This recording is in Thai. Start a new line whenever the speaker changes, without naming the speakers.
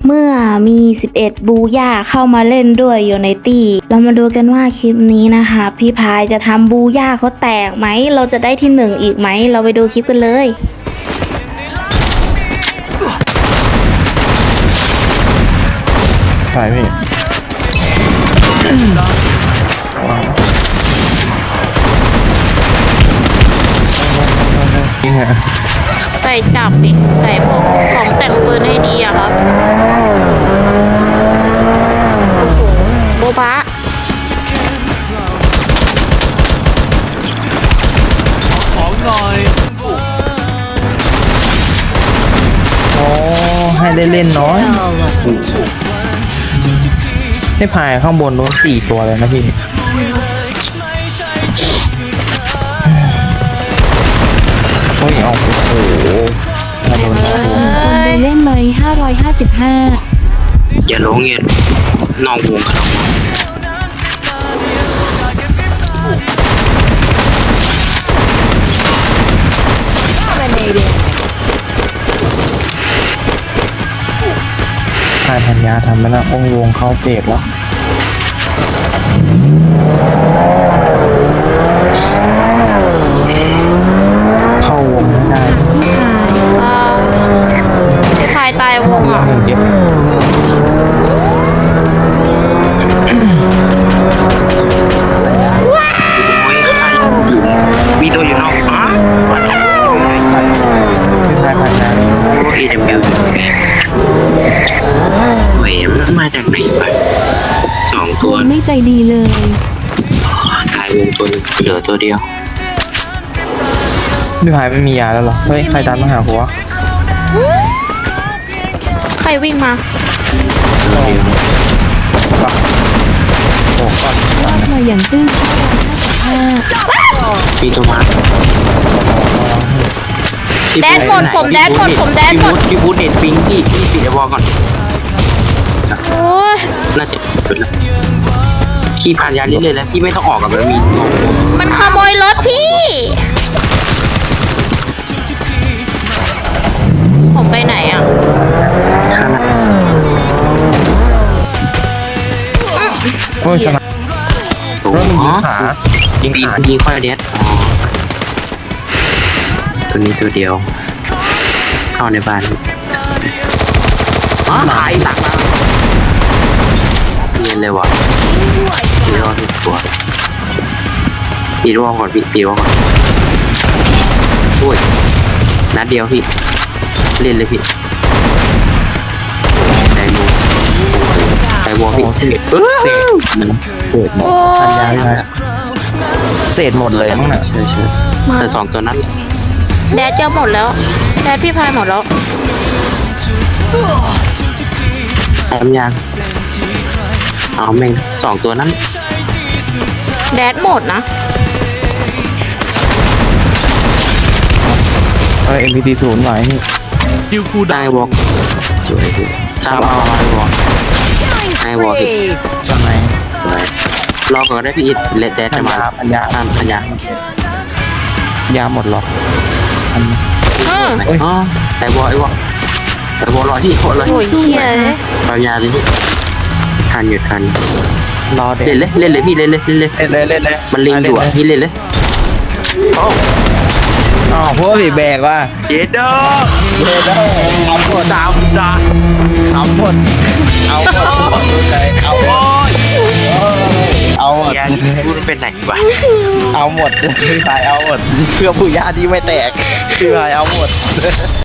เมื่อมี11บูย่าเข้ามาเล่นด้วยอยู่ในตี้เรามาดูกันว่าคลิปนี้นะคะพี่พายจะทำบูย่าเขาแตกไหมเราจะได้ที่1อีกไหมเราไปดูคลิปกันเลย
ใช่พี่นี่ไง
ใส่จับดิใส่พวกของแต่งปืนให้ดีอะครับโอ้โหโบบะ
ของหน่อย
โอ้ให้ได้เล่นน้อยให้พายข้างบนนู้น4 ตัวเลยนะพี่โอ้ยเอาโอ้โหมาโดนมาโดน
เล่นเลย555
อย่าลงเงี้ยนอกวงกัน
พายพันยาทำไปแล้วองค์วงเข้าเฟสแล้วเข้าวงไม่ได้
พี่พายตายวงอ่ะ
เดี๋ยว
มีตัวอยู่นอกอ๋อ
ไม่ใช่พันยา
ตัวเอจะเปลี่ยนเว้ยมันมาจากไหนวะ2 ตัว
ไม่ใจดีเลย
ตายวงตัวนึงเหลือตัวเดียว
พี่พายไม่มียาแล้วเหรอเฮ้ยใครตามมาหาหัว
ใครวิ่งมา
ตัวเดียว
โอ้ก่อน
วาดมาอย่างจึ้ง555
มีตัวมา
แดนหมดผมแดนหมดผมแดนหมด
พี่บูธเน็ตปิงพี่ปิดไอ้วอลก่อน
โอ้ย
น่าจะเป็นแล้วขี่ผ่านยาเรื่อยๆแล้วพี่ไม่ต้องออกกับมันมี
มันขโมยรถพี่ ผมไปไหนอ่ะ
ขนาด
โอ้ยจะมา
โอ้
รถมัน
โห
ยิงขายิงขา
ยิงค่อยเด็ดตัวนี้ตัวเดียว เข้าในบ้านอ๋อหายหลักมาเรียนเลยวะปีรอดทุกตัวปีรอดก่อนพี่ปีรอดก่อนโอ้ยนัดเดียวพี่เล่นเลยพี่ไดโวพี่
เศษเศษหมดพันยาไม่ได้เศษหมดเลยมั้งน่ะ
ใช่แต่2 ตัวนั้น
แดดจะหมดแล้วแดดพี่พายหมดแล้ว
แอมยางเอาแม่ง2 ตัวนั้น
แดดหมดนะ
MPT 0ไหวนี่
ดิวคู
ได้วอล์กสวยพี่ตามเอาได้วอล์กได้วอล์กพี่
สมัย
สวยรอก่อนได้พี่อิทเลดแดดจะมา
พันยา
ตามพันยาย
าหมดหรอพัน
อ๋อไอ้วอล์กไอ้วอล์กรอที่โคตรเลย
โอ้ยเหี้ย
ปัญญาเลยพี่ทันอยู่ทัน
รอเด็ก
เล่นเลยพี่เล่นเลย
เล่นเลย
มันลิงอยู่อ่ะพี่เล่นเลยโอ้
อ๋อพวกผีแบกว่ะ
เจ็ดเด้อ
เล่นได้เอาหมด
ดาวดา
เอาหมดเอาหมดเอาหมดเอาหมด
แกพูดเป็นไหนวะ
เอาหมดพี่พายเอาหมดเพื่อผู้ญาติที่ไม่แตกพี่พายเอาหมด